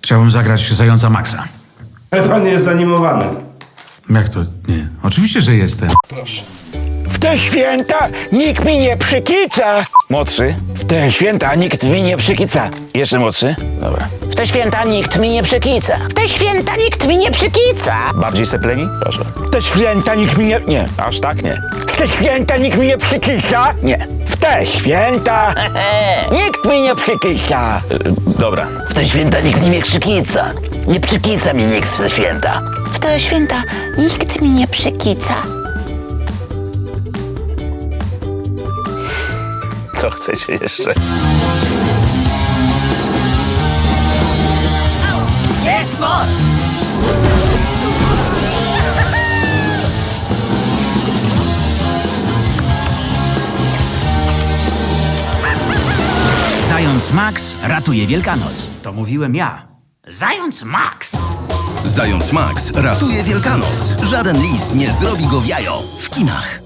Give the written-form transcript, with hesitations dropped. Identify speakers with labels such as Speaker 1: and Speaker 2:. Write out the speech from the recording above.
Speaker 1: Chciałbym zagrać Zająca Maxa.
Speaker 2: Ale pan nie jest animowany.
Speaker 1: Jak to? Nie. Oczywiście, że jestem.
Speaker 3: W te święta nikt mi nie przykica. Młodszy. W te święta nikt mi nie przykica. Jeszcze młodszy. Dobra.
Speaker 4: W te święta nikt mi nie przykica. W te święta nikt mi nie przykica.
Speaker 3: Bardziej sepleni? Proszę. W te święta nikt mi nie... Nie, aż tak nie. W te święta nikt mi nie przykica? Nie. W te święta nikt mi nie przykica. Dobra.
Speaker 4: W te święta nikt mi nie przykica. Nie przykica mi nikt w te święta. W te święta nikt mi nie przykica.
Speaker 3: Co chcecie jeszcze?
Speaker 4: Jest moc!
Speaker 5: Zając Max ratuje Wielkanoc. To mówiłem ja. Zając Max!
Speaker 6: Zając Max ratuje Wielkanoc. Żaden lis nie zrobi go w jajo. W kinach.